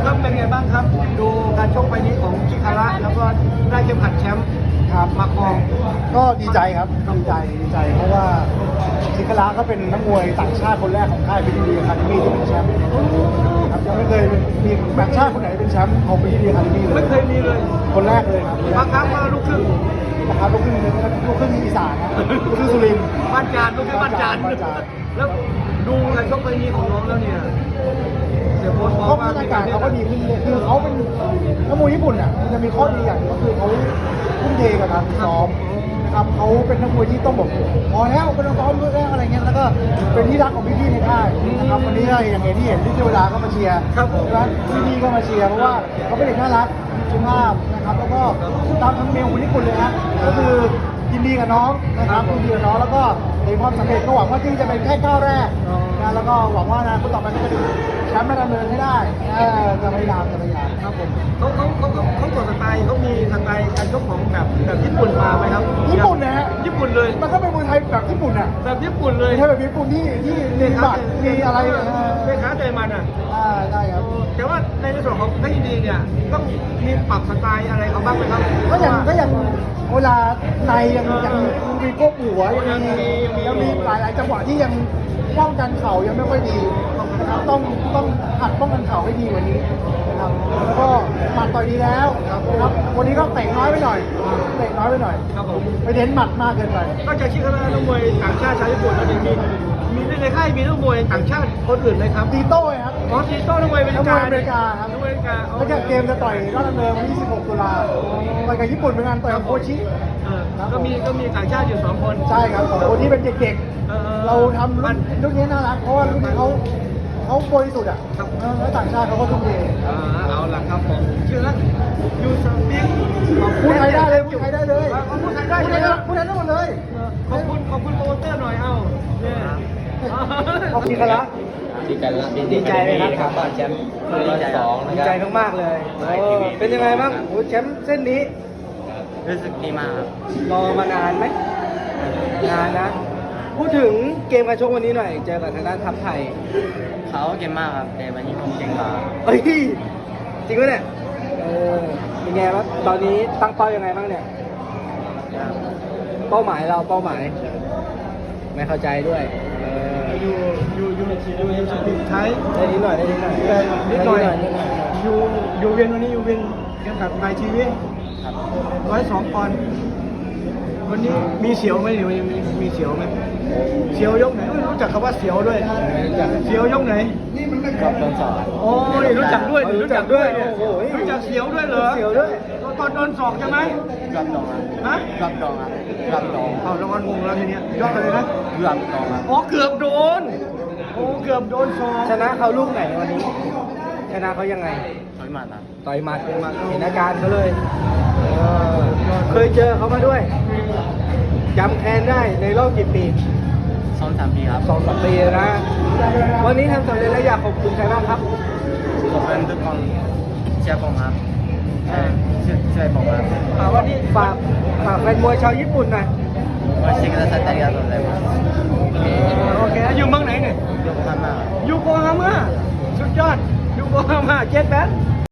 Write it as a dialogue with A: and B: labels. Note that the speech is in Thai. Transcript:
A: ครับเป็นไงบ้างครับ ดูการชกไปนี้ของชิคาระแล้วก็ได้เข็มขัดแชมป์ครับมาครอง
B: ก็ดีใจครับดีใจเพราะว่าสิงคลาก็เป็นนักมวยต่างชาติคนแรกของค่ายพิธีดีอะคาเดมี่ที่เป็นแชมป์ครับยังไม่เคยมีต่างชาติคนไหนเป็นแชมป์ของพิธีดีอะคาเดมี่เลย
A: ไม่เคยมีเลย
B: คนแรกเลยครับ
A: บางครั้งมาลูกครึ่ง
B: นะครับลูกครึ่งอีสานนะลูกครึ่งสุรินทร์
A: บ้านจานลูกครึ่งบ้านจาน
B: บ้านจาน
A: แล้วดูการชกไปนี้ของน้องแล้วเนี่ยเสียโพสต์บอก
B: เขา
A: ว่า
B: บรรยากาศเขาก็ดีขึ้นเลยคือเขาเป็นนักมวยญี่ปุ่นอ่ะมันจะมีข้อดีอย่างก็คือเขาทุ่มเทกับการซ้อมนะครับเขาเป็นนักมวยที่ต้องบอกพอแล้วเป็นนักซ้อมด้วยแล้วอะไรเงี้ยแล้วก็เป็นที่รักของพี่ๆในค่ายนะครับวันนี้ก็อย่างที่เห็นที่เทวดาก็มาเชียร์แล้วพี่ๆก็มาเชียร์เพราะว่าเขาเป็นเด็กน่ารักสุภาพนะครับแล้วก็ตามธรรมเนียมของญี่ปุ่นเลยฮะก็คือยินดีกับน้องนะครับยินดีกับน้องแล้วก็ในความสำเร็จก็หวังว่าที่จะเป็นแค่ก้าวแรกนะแล้วก็หวังว่านะคนต่อไปก็จะเป็นแชมป์มาดำเนินให้ได้จะพยายาม
A: ครับผมเขาตัวสไตล์เขามีสไตล์การชกของแบบญี่ปุ่นมาไหมครับ
B: ญี่ปุ่นนะฮะ
A: ญี่ปุ่นเลย
B: มันก็เป็นมวยไทยแบบญี่ปุ่นอ่ะ
A: แบบญี่ปุ่นเลย
B: ไม่ใช่แบบญี่ปุ่นที่มีบัตรมีอะไร
A: เมค้าใจมันอ่ะ
B: ได้ครับ
A: แต่ว่าในส่วนของนักยินดีเนี่ยต้องมีปรับสไตล์อะไรเขาบ้างไหมครับ
B: ก็ยังเวลาในยังมีโก้หัวยังมีหลายจังหวะที่ยังป้องกันเข่ายังไม่ค่อยดีนะครับต้องหัดป้องกันเข่าให้ดีกว่านี้นะครับแล้วก็หมัดต่อยดีแล้วนะครับวันนี้ก็เตะน้อยไปหน่อย
A: ครับผม
B: ไปเน้นหมัดมากเกินไป
A: นอกจากคิดว่านักมวยต่างชาติชาวญี่ปุ่นแล้วเนี่ยมีในค่ายมีนักมวยต่างชาติคนอื่นไหมครับ
B: ตีโต้ครับ
A: อ๋อทีโต้นักมวยอเมริ
B: นักม
A: กา
B: วยอเมริกาครับ
A: นักมวยอเมริกา
B: แล้วก็เกมจะต่อยรอบดำเนินวันที่ 16 ตุลาต่อยกับญี่ปุ่นเหมือนกันต่อยกับโคชิ
A: ก็มีต่างชาติอยู่2 คน
B: ใช่ครับของคนที่เป็นเด็กๆ เราทำรุ่นนี้น่ารักเพราะว่ารุ่นนี้เขาบริสุทธิ์อ่ะแล้วต่างชาติเขาก็ทุ่มเท
A: เอาล่ะครับผมชื่อแล้วยูสปิง
B: พูดไทยได้เลยพูดไทยได้เลย
A: พูดไทยได้ใช่ไหม
B: พูดไทยได้หมดเลย
A: ขอบคุณโปรโมเตอร์หน่อยเอาเนี่ย
B: ขอบคุณกันละ
C: ดีใจไหมครับตอนแชมป์ดีใจ2
B: ดีใจมากๆเลยเป็นยังไงบ้างโอ้แชมป์เส้นนี้
C: รู้สึกดีมากครับ
B: รอมานานไหมนานนะ พูดถึงเกมการชกวันนี้หน่อย เจอกับทางด้านทัพไทย
C: เขาเก่งมากครับแต่วันนี้ผมเก่งกว่า
B: เฮ้ย จริงไหมเนี่ยเป็นไงบ้างตอนนี้ตั้งเป้ายังไงบ้างเนี่ย
C: ครับ
B: เป้าหมายเราเป้าหมาย ไม่เข้าใจด้วย
A: อยู่สปิงไทย
B: ได้นิดหน่อย
A: นิดหน่อยอยู่เวียนวันนี้อยู่เวียนเกี่ยวกับนายชีวิต
C: ครับ
A: 102 ปอนด์วันนี้มีเสียวไหมหรือมีเสียวไหมเสียวยกไหนรู้จักคำว่าเสียวด้วยเสียวยกไหน
C: ก็โดนสอน
A: โอ้ยรู้จักด้วย
B: โอ้โห
A: รู้จักเสียวด้วยเหรอ
B: เสียวด้วย
A: ตอนโดนศอกใช่ไหม
C: รับรองครับ
A: ฮะ
C: รับรองครับรับรอง
A: เอารางวัลงงแล้วทีเนี้ยยอดเลยนะ
C: รับรองครับ
A: อ๋อเกือบโดนโอ้เกือบโดนศอก
B: ชนะเขาลูกไหนวันนี้ ชนะเขายังไง
C: ถอยมาครับ
B: ต่อยหมัดเห็นอาการเขาเลยเคยเจอเขามาด้วยจำแค้นได้ในรอบกี่ปี
C: 2-3 ปีครับ
B: 2-3 ปีนะ วันนี้ทำสำเร็จแล้วอยากขอบคุณใครบ้างครับ
C: ขอบคุณทุกคนเชียร์ผมครับช่วยผมครับ
A: วันนี้
B: ฝากแฟนมวยชาวญี่ปุ่นหน่อย
C: ว่าชิคกี้พายありがとうございます
A: โอเคอยู่เมืองไหนเนี่ย
C: ยกพันมาก
A: อยู่โกฮาม่าสุดยอดอยู่โกฮาม่าเจ็ดแปด